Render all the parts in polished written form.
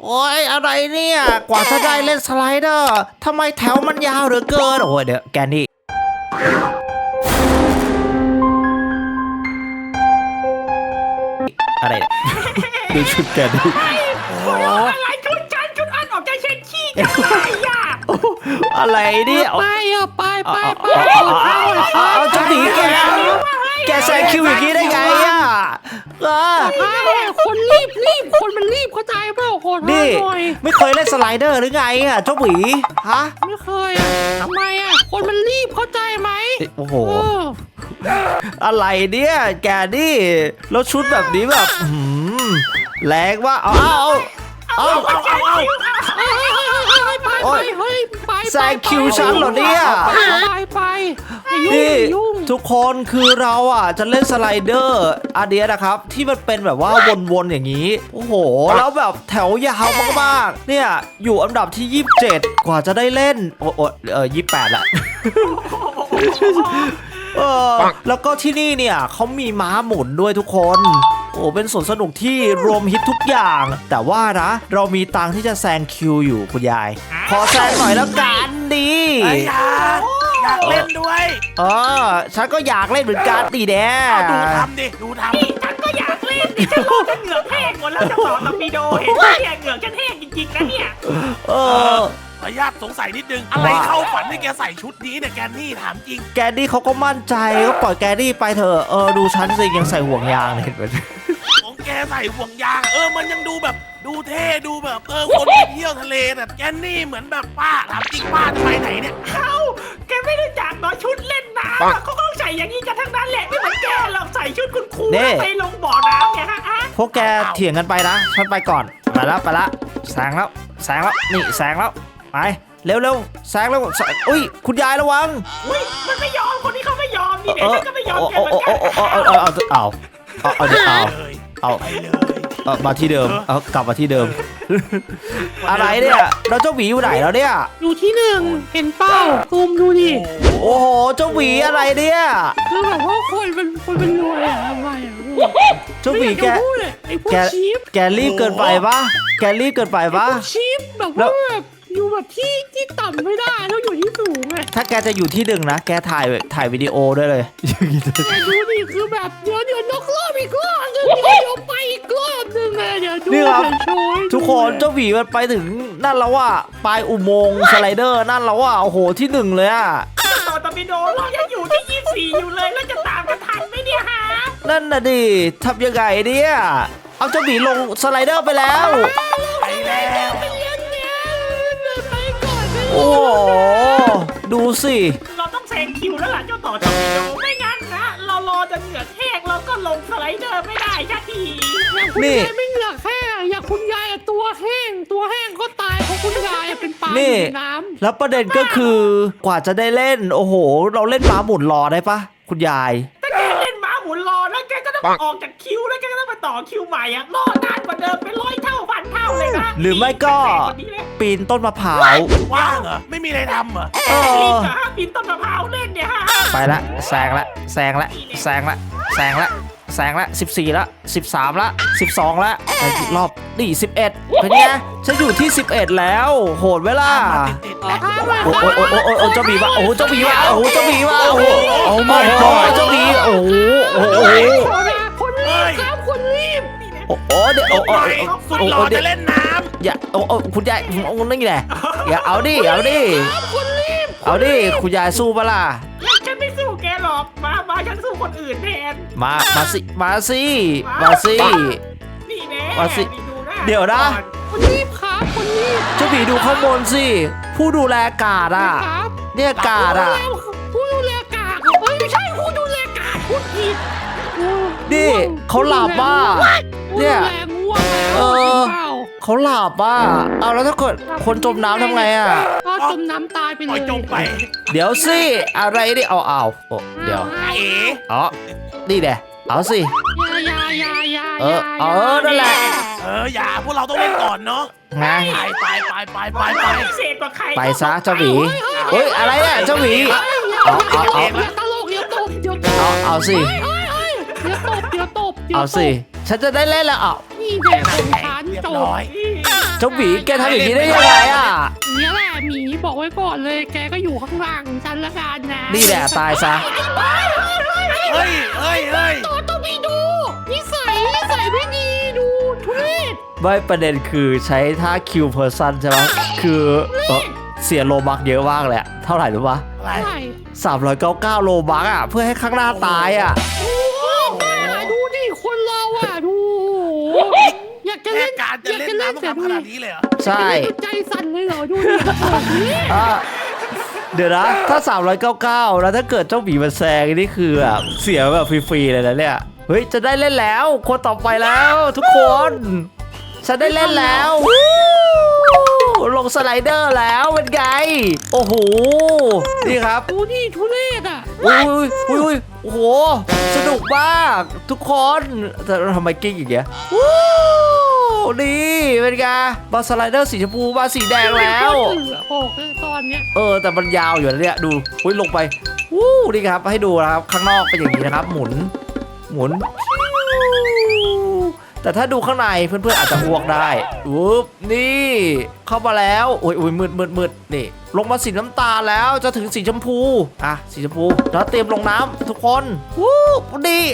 โอ้ยอะไรเนี่ยกว่าจะได้เล่นสไลเดอร์ทำไมแถวมันยาวเหลือเกินโอ้ยเดี๋ยวแกนี่อะไรเนี่ยดูชุดแกนี่โอ้อะไรชุดฉันชุดอันออกใจเช็ดขี้กันอะไรอ่ะอะไรเนี่ยไปเอาจะหนีแกแซงคิวอย่างนี้ได้ไงอ่ะคนรีบคนมันรีบเข้าใจเปล่าคนนี่ไม่เคยเล่นสไลเดอร์หรือไงอ่ะเจ้าหวีฮะไม่เคยอ่ะทำไมอ่ะคนมันรีบเข้าใจไหมโอ้โหอะไรเนี่ยแกนี่แล้วชุดแบบนี้แบบแรงว่าเอาแซงคิวฉันเหรอเนี่ยไปนี่ทุกคนคือเราอ่ะจะเล่นสไลเดอร์อันเดียนะครับที่มันเป็นแบบว่าวนๆอย่างนี้โอ้โหแล้วแบบแถวยาวมากๆเนี่ยอยู่อันดับที่27กว่าจะได้เล่นโอ้28ละแล้วก็ที่นี่เนี่ยเขามีม้าหมุนด้วยทุกคนโอ้เป็นสวนสนุกที่รวมฮิตทุกอย่างแต่ว่านะเรามีตังที่จะแซงคิวอยู่คุณยายขอแซงหน่อยแล้วกันดีอยากเล่นด้วยฉันก็อยากเล่นเหมือนกันดีแน่ดูทำฉันก็อยากเล่นดิฉันรอจะเหงือกแห้งหมดแล้วจะต่อตอร์ปิโดเห็นไหมเนี่ยเหงือกฉันแห้งจริงๆนะเนี่ยขออนุญาตสงสัยนิดนึงอะไรเข้าฝันให้แกใส่ชุดนี้เนี่ยแกนี่ถามจริงแกนี่เขาก็มั่นใจก็ปล่อยแกนี่ไปเถอะดูฉันสิยังใส่ห่วงยางเลยเห็นไหมของแกใส่ห่วงยางมันยังดูแบบดูเท่ดูแบบคนไปเที่ยวทะเลแต่แกนี่เหมือนแบบป้าถามจริงป้าจะไปไหนเนี่ยแกไม่รู้จักเนาะชุดเล่นน้ำเขาก็ใส่อย่างนี้กันทั้งนั้นแหละไม่เหมือนแกหรอกใส่ชุดคุณครูไปลงบ่อน้ำเนี่ยฮะพวกแกเถียงกันไปนะฉันไปก่อนไปละแซงแล้วนี่แซงแล้วไปเร็วแซงแล้วอุ้ยคุณยายระวังอุ้ยมันไม่ยอมคนนี้เขาไม่ยอมนี่เด็กก็ไม่ยอมแกเหมือนกันเอามาที่เดิมกลับมาที่เดิมอะไรเนี่ยเราเจ้าหวีอยู่ไหนแล้วเนี่ยอยู่ที่1เห็นเป้าซูมดูดิโอ้โหเจ้าหวีอะไรเนี่ยคือแบบว่าคนเป็นรวยอะทำไมอะเจ้าหวีแกรีบเกินไปปะชีฟแบบว่าอยู่แบบที่ต่ำไม่ได้ต้องอยู่ที่สูงไงถ้าแกจะอยู่ที่1นะแกถ่ายวิดีโอด้วยเลยแกดูดิคือแบบเดี๋ยวนกรอบอีกรอบนึงเดี๋ยวไปอีกรอบนึงเลยเดี๋ยวดูทุกคนเจ้าหวีมันไปถึงนั่นแล้วว่าปลายอุโมงค์สไลเดอร์นั่นแล้วว่าโอ้โหที่1เลยอะต่อตอร์ปิโดเรายังอยู่ที่24อยู่เลยแล้วจะตามกันทันไหมเนี่ยฮะนั่นน่ะดิทำยังไงเนี่ยเอาเจ้าหวีลงสไลเดอร์ไปแล้วไปแล้วโอ้ดูสิเราต้องแซงคิวแล้วล่ะเจ้าต่อตอร์ปิโดไม่งั้นนะเรารอจนเหงือกแห้งเราก็ลงสไลเดอร์ไม่ได้สักทีนี่ไม่เหงือกแห้งอย่างคุณยายตัวแห้งก็ตายเพราะคุณยายเป็นปลาในน้ำแล้วประเด็นก็คือกว่าจะได้เล่นโอ้โหเราเล่นม้าหมุนรอได้ปะคุณยายถ้าแกเล่นม้าหมุนรอแล้วแกก็ต้องออกจากคิวแล้วแกก็ต้องมาต่อคิวใหม่อะรอนานกว่าเดิมเป็น100 เท่าพันเท่าเลยนะหรือไม่ก็ปีนต้นมะพร้าวว่างเหรอไม่มีอะไรทำเหรอปีนต้นมะพร้าวเล่นเนี่ยฮะไปละแซงละ14ละ13ละ12ละไปอีกรอบนี่11เป็นไงฉันอยู่ที่11แล้วโหดเวลาโอ้เจ้าบีว่าโอ้เจ้าบีว่าโอ้เจ้าบีว่าโอ้โอ้ไม่ก็เจ้าบีโอ้คนรีบโอ้เดี๋ยวสุดหล่อจะเล่นน้ำอย่าโอ้คุณยายนี่ไงอย่าเอาดิคุณยายสู้ปะล่ะฉันไม่สู้แกหรอกมาฉันสู้คนอื่นแทนมาสินี่แน่เดี๋ยวนะคนรีบครับคนรีบเจ้าบีดูข้างบนสิผู้ดูแลกาดอ่ะเนี่ยกาดอ่ะผู้ดูแลกาดไม่ใช่ผู้ดูแลกาดพูดผิดนี่เขาหลับป่ะเนี่ยเขาหลับป่ะเอาแล้วถ้าเกิดคนจมน้ำทำไงอ่ะก็จมน้ำตายไปเลยจมไปเดี๋ยวสิอะไรดิเอาเดี๋ยวนี่แหละเอาสินั่นแหละอย่าพวกเราต้องเล่นก่อนเนาะไงไปซะเจ้าหวีเฮ้ยอะไรอ่ะเจ้าหวีเอาสิเดี๋ยวตบเอาสิฉันจะได้เล่นแล้วนี่แหละคนฉันจบจ้าหมีแกทำอย่างนี้ได้ยังไงอ่ะเนี่ยแหละหมีบอกไว้ก่อนเลยแกก็อยู่ข้างล่างของฉันละกันนะนี่แหละตายซะเฮ้ยต่อต้องมีดูนิสัยไม่ดีดูทุเรศไม่ประเด็นคือใช้ท่าคิวเพอร์ซันใช่ไหมคือเสียโลบักเยอะมากเลยอะเท่าไหร่รู้ปะอะไรใช่ 399โลบักอ่ะเพื่อให้ข้างหน้าตายอ่ะโอ้ดูดิคนเราอ่ะดูอยากจะแค่เล่นการจะเล่นน้ำต้องทำขนาดนี้เลยเหรอใช่ใจสั่นเลยเหรอดูดิอ่ะเดี๋ยวนะถ้า399แล้วถ้าเกิดเจ้าหมีมันแซงนี่คือแบบเสียแบบฟรีๆเลยนะเนี่ยเฮ้ยจะได้เล่นแล้วคนต่อไปแล้วทุกคนฉันได้เล่นแล้ววู้ลงสไลเดอร์แล้วเป็นไงโอ้โหนี่ครับดูดิทุเรศอ่ะอุ้ยโอ้โหสนุกมากทุกคนแต่ทำไมกิ้งอย่างเงี้ยวู้นี่เป็นไงบอลสไลเดอร์สีชมพูมาสีแดงแล้วโอ้ตอนเนี้ยแต่มันยาวอยู่นะเนี่ยดูอุ้ยลงไปวู้นี่ครับให้ดูนะครับข้างนอกเป็นอย่างนี้นะครับหมุนแต่ถ้าดูข้างในเพื่อนๆอาจจะอ้วกได้อุ๊บนี่เข้ามาแล้วโอ้ยมืดนี่ลงมาสีน้ำตาลแล้วจะถึงสีชมพูอ่ะสีชมพูแล้วเตรียมลงน้ำทุกคนวู้นี่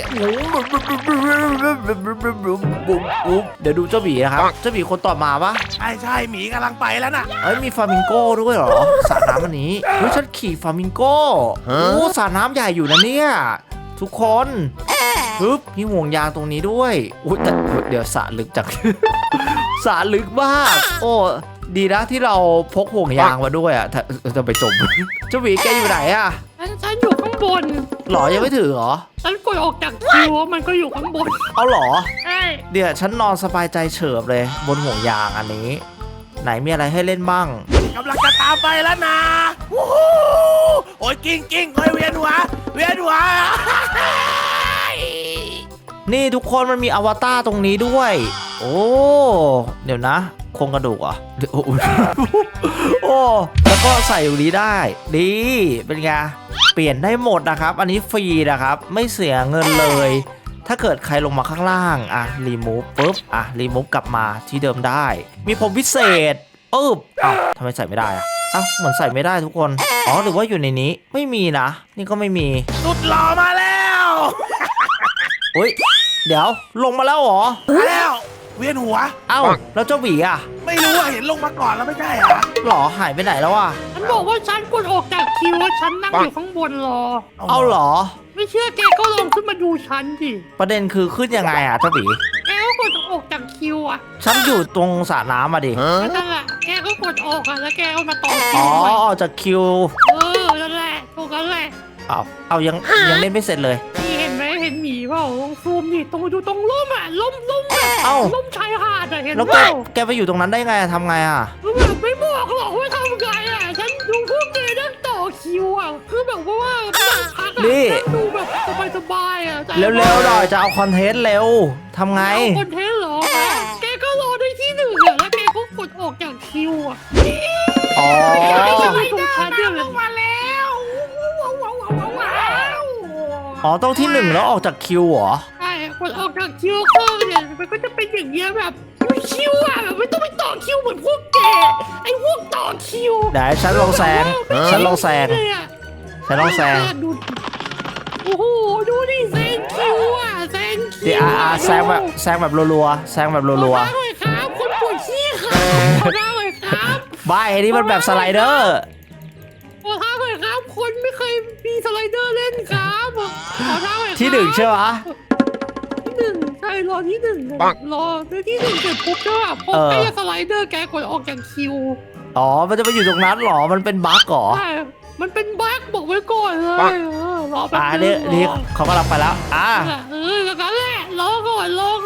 เดี๋ยวดูเจ้าหมีนะครับเจ้าหมีคนต่อมาปะใช่หมีกำลังไปแล้วน่ะมีฟลามิงโก้ด้วยเหรอสระน้ำอันนี้เฮ้ยฉันขี่ฟลามิงโก้โอ้สระน้ำใหญ่อยู่นะเนี่ยทุกคนปึ๊บมีห่วงยางตรงนี้ด้วยอุ้ยแต่เดี๋ยวสระลึกจัง สระลึกมากโอ้ดีนะที่เราพกห่วงยางมาด้วยอ่ะจะไปจม เจ้าหวีแกอยู่ไหนอ่ะฉันอยู่ข้างบนหรอยังไม่ถึงเหรอฉันกดออกจากคิวมันก็อยู่ข้างบนเอาหรอใช่เดี๋ยวฉันนอนสบายใจเฉิบเลยบนห่วงยางอันนี้ ไหนมีอะไรให้เล่นบ้างกำลังจะตามไปแล้วนะวู้ฮู้โอ้ยกิ้งโอ้ยเวียนหัวนี่ทุกคนมันมีอวตารตรงนี้ด้วย โอ้เดี๋ยวนะโครงกระดูกเหรอ่ะโอ้แล้วก็ใส่อยู่นี้ได้ดีเป็นไงเปลี่ยนได้หมดนะครับ อันนี้ฟรีนะครับไม่เสียเงินเลย ถ้าเกิดใครลงมาข้างล่างรีมูฟปุ๊บรีมูฟกลับมาที่เดิมได้ มีผมพิเศษทำไมใส่ไม่ได้เหมือนใส่ไม่ได้ทุกคนหรือว่าอยู่ในนี้ไม่มีนะนี่ก็ไม่มีสุดหล่อมาแล้วเฮ้ยเดี๋ยวลงมาแล้วเหรอมาแล้วเวียนหัวแล้วเจ้าหวีอ่ะไม่รู้เห็นลงมาก่อนแล้วไม่ใช่เหรอหรอหายไปไหนแล้วอ่ะฉันบอกว่าฉันกดออกจากคิวว่าฉันนั่งอยู่ข้างบนรอเอาเหรอไม่เชื่อแกก็ลองขึ้นมาดูฉันดิประเด็นคือขึ้นยังไงอ่ะเจ้าหวีแกก็กดออกจากคิวอ่ะฉันอยู่ตรงสระน้ำมาดินั่นแหละแกก็กดออกอ่ะแล้วแกก็มาต่อคิอ๋วอใหม่ออกจากคิวนั่นแหละตรงนั้นแหละเอายังเล่นไม่เสร็จเลยนี่เห็นไหมเห็นหมีเปล่าลองซูมดิตรงดูตรงร่มอ่ะร่มแบบเอ้าร่มชายหาดอ่ะเห็นแล้วเปล่าแกไปอยู่ตรงนั้นได้ไงทำไงอ่ะคือแบบไม่บอกหรอกว่าทำไงอ่ะฉันดูพวกแกนั่งต่อคิวอ่ะคือแบบว่านั่งพักอ่ะนี่นั่งดูแบบสบายๆอ่ะแต่เร็วๆหน่อยจะเอาคอนเทนต์เร็วทำไงเอาคอนเทนต์เหรอแกก็รอได้ที่หนึ่งอ่ะแล้วแกก็กดออกจากคิวอ่ะอ๋อไม่ใช่ตรงฉันเนี่ยเลยมาแล้วว้าวต้องที่หนึ่งแล้วออกจากคิวเหรอใช่กดออกจากคิวก็เนี่ยมันก็จะเป็นอย่างเงี้ยแบบคิวอ่ะแบบไม่ต้องไปต่อคิวเหมือนพวกแกไอ้พวกต่อคิวไหนฉันลองแซงฉันลองแซงเลยอะฉันลองแซงดูโอ้โหดูดิแซงคิวอ่ะแซงคิเดี๋ยววแซงแบบรัวๆแซงแบบรัวขอท้าหน่อยครับคนปวดขี้ครับขอท้าหน่อยครับๆบ้าไอ้นี่มันแบบสไลเดอร์ขอท้าหน่อยครับคนไม่เคยมีสไลเดอร์เล่นครับขอท้าหน่อยครับที่หนึ่งใช่ไหมที่หนึ่งใช่รอที่หนึ่งรอที่หนึ่งเสร็จปุ๊บใช่ป่ะพอใกล้จะสไลเดอร์แกกดออกจากคิวมันจะไปอยู่ตรงนั้นเหรอมันเป็นบั๊กเหรอใช่มันเป็นบั๊กบอกไว้ก่อนเลยรอแป๊บนึงนี่เขากำลังไปแล้วแล้วก็แหละรอก่อน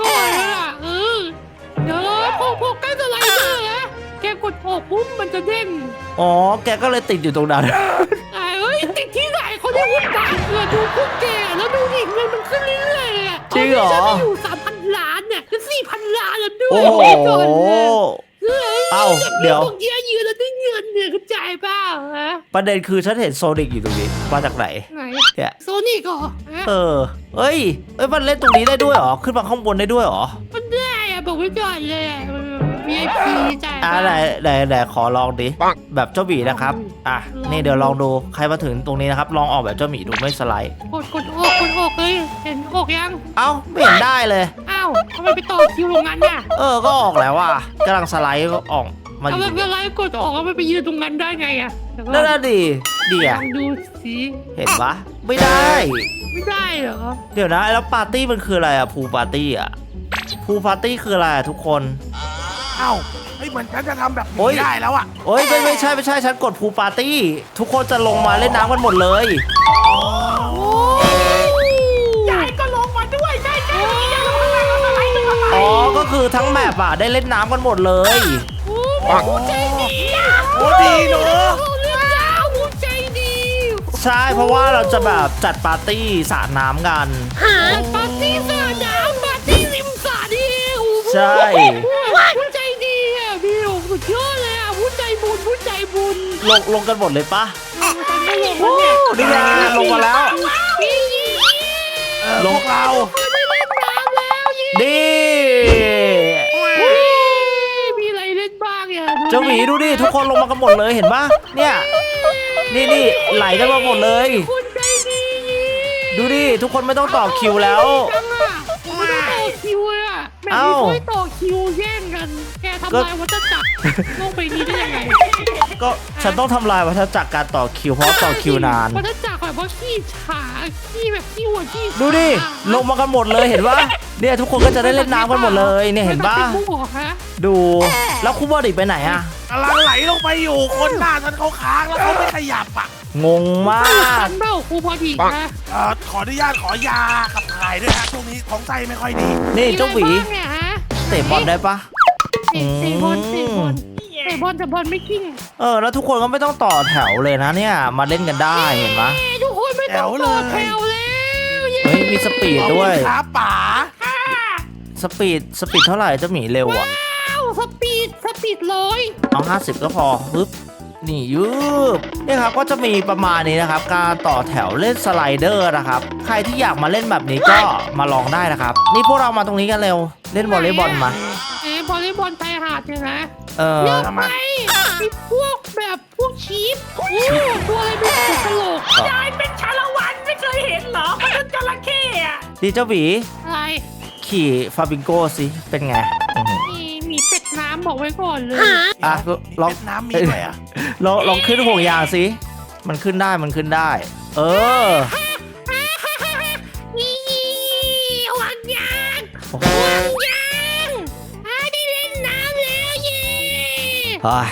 เดี๋ยวพอใกล้สไลเดอร์นะแกกดออกปุ๊บมันจะเด้งแกก็เลยติดอยู่ตรงนั้นติดที่ไหนเขาเรียกว่าบั๊กเลยดูพวกแกแล้วดูดิเงินมันขึ้นเรื่อยๆอ่ะจริงเหรอฉันไปอยู่3,000 ล้านเนี่ยจะ4,000 ล้านแล้วด้วยโอ้โหก่อนเลยเดี๋ยวพวกเยอะยืนแล้วได้เงินเนี่ยเข้าใจเปล่าฮะประเด็นคือฉันเห็นโซนิกอยู่ตรงนี้มาจากไหนไหนเนี่ยโซนิกเหรอฮะเอ้ยมันเล่นตรงนี้ได้ด้วยเหรอขึ้นมาข้างบนได้ด้วยเหรอมันได้อะบอกไว้ก่อนเลยอะมี VIP จ่ายไหนขอลองดิแบบเจ้าหมีนะครับอ่ะนี่เดี๋ยวลองดูใครมาถึงตรงนี้นะครับลองออกแบบเจ้าหมีดูไม่สไลด์กดออกเลยเห็นออกยังเอ้าไม่เห็นได้เลยอ้าวทำไมไปต่อคิวตรงนั้นน่ะก็ออกแล้วว่ะกำลังสไลด์ก็ออกมาอเอายู่แบบอะไรกดออกแล้วมันไปยืนตรงนั้นได้ไงอะเดี๋ยวก่อนนั่นน่ะดิเดี๋ลยองดูสิเห็นปะไม่ได้ไม่ได้เหรอเดี๋ยวนะแล้วปาร์ตี้มันคืออะไรอะพูปาร์ตี้อะพูปาร์ตี้คืออะไรอะทุกคนเอ้าเฮ้ยเหมือนฉันจะทำแบบโอ๊ยนี้ได้แล้วอ่ะโอ้ยไม่ใช่ฉันกดพูปาร์ตี้ทุกคนจะลงมาเล่นน้ำกันหมดเลยยายก็ลงมาด้วยใช่ใช่ยายลงมาอะไรอ๋อก็คือทั้งแมปอะได้เล่นน้ำกันหมดเลยผู้ใจดีโอ้ดีเนอะเรื่องยาวผู้ใจดีใช่เพราะว่าเราจะแบบจัดปาร์ตี้สาดน้ำกันปาร์ตี้สระน้ำปาร์ตี้ริมสระนี่เองใช่ผู้ใจดีอ่ะพี่โอ้สุดยอดเลยอ่ะผู้ใจบุญลงกันหมดเลยปะฉันไม่ลงแล้วเนี่ยนี่ไงลงมาแล้วพี่พวกเราไม่เล่นน้ำแล้วยี่ดีมีอะไรเล่นบ้างอ่ะเจ้าหมีดูดิทุกคนลงมากันหมดเลยเห็นปะเนี่ยนี่ไหลกันมาหมดเลยคุณใจดีดูดิทุกคนไม่ต้องต่อคิวแล้วจังอ่ะไม่ต้องต่อคิวเลยอ่ะแม่เอ้าไม่ช่วยต่อคิวแย่งกัน แกทำลายวัฏจักรโลกใบนี้ได้ยังไงก็ฉันต้องทำลายวัฏจักรการต่อคิวเพราะต่อคิวนานวัฏจักรแบบว่าขี้ฉาขี้แบบขี้หัวขี้ดูดิลงมากันหมดเลยเห็นปะเนี่ยทุกคนก็จะได้เล่นน้ำกันหมดเลยเนี่ยเห็นปะไม่ต้องไปมั่วฮะดูแล้วคูบอดิไปไหนอะกำลังไหลลงไปอยู่คนหน้าฉันเขาค้างแล้วเขาไม่ขยับอ่ะงงมากเบ้าครูพอดีนะขออนุญาตขอยาขับถ่ายด้วยฮะช่วงนี้ท้องไส้ไม่ค่อยดีนี่เจ้าหวีมีอะไรบ้งเนี่ยฮะเตะบอลได้ปะเตะบอลเตะบอลเตะบอลแต่บอลไม่กิ้งแล้วทุกคนก็ไม่ต้องต่อแถวเลยนะเนี่ยมาเล่นกันได้เห็นปะทุกคนไม่ต้องต่อแถวแล้วเฮ้ยมีสปีดด้วยขอบคุณครับป๋าสปีดเท่าไหร่เจ้าหมีเร็วอะว้าวสปีดร้อยเอา50ก็พอปึ๊บนี่ยืบนี่ครับก็จะมีประมาณนี้นะครับ การต่อแถวเล่นสไลเดอร์นะครับ ใครที่อยากมาเล่นแบบนี้ก็มาลองได้นะครับ นี่พวกเรามาตรงนี้กันเร็ว เล่นวอลเลย์บอลมาวอลเลย์บอลชายหาดเนี่ยนะเทำไมมีพวกแบบพวกชีฟตัวอะไรเป็นหัวกะโหลกยายเป็นชาละวันไม่เคยเห็นเหรอมันเป็นจระเข้อะดีเจ้าหวีอะไรขี่ฟาบิงโก้สิเป็นไงอื้อหือมีเป็ดน้ำบอกไว้ก่อนเลยอ่ะลองเวียดนามมีด้วยอ่ะลองขึ้นห่วงยางสิมันขึ้นได้ เออนี่หวังยางโอ้โหหวังยางได้เล่นน้ำแล้วเย่เฮ้ย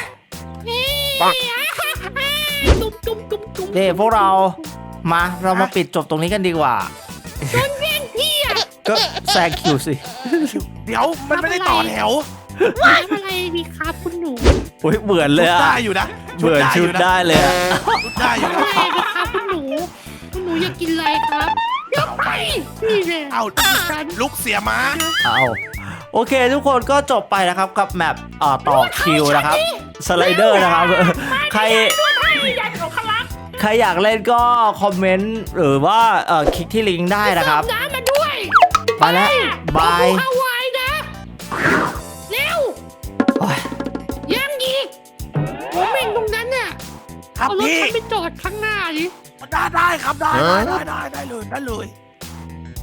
จุ๊บเด้พวกเราเรามาปิดจบตรงนี้กันดีกว่าโดนแย่งพี่อะก็แซงคิวสิเดี๋ยวมันไม่ได้ต่อแถวน้ำอะไรดีครับคุณหนูอุ้ยเหมือนเลยชุดอะได้อยู่นะเหมือนชุดได้เลยอะชุดได้อยู่นะอะไรนะครับคุณหนูอยากกินอะไรครับเดี๋ยวไปนี่เลยเอ้าฉันลุกเสียม้าเอาโอเคทุกคนก็จบไปนะครับกับแมปต่อคิวนะครับสไลเดอร์นะครับ ใครอยากของคลักใครอยากเล่นก็คอมเมนต์หรือว่าคลิกที่ลิงก์ได้นะครับน้ำมาด้วยไปแล้วบายเอาไว้นะเร็วโอ้ยยังอีกผมเองตรงนั้นน่ะครับเอารถพี่ฉันไปจอดข้างหน้าดิได้ครับได้เลยได้เลย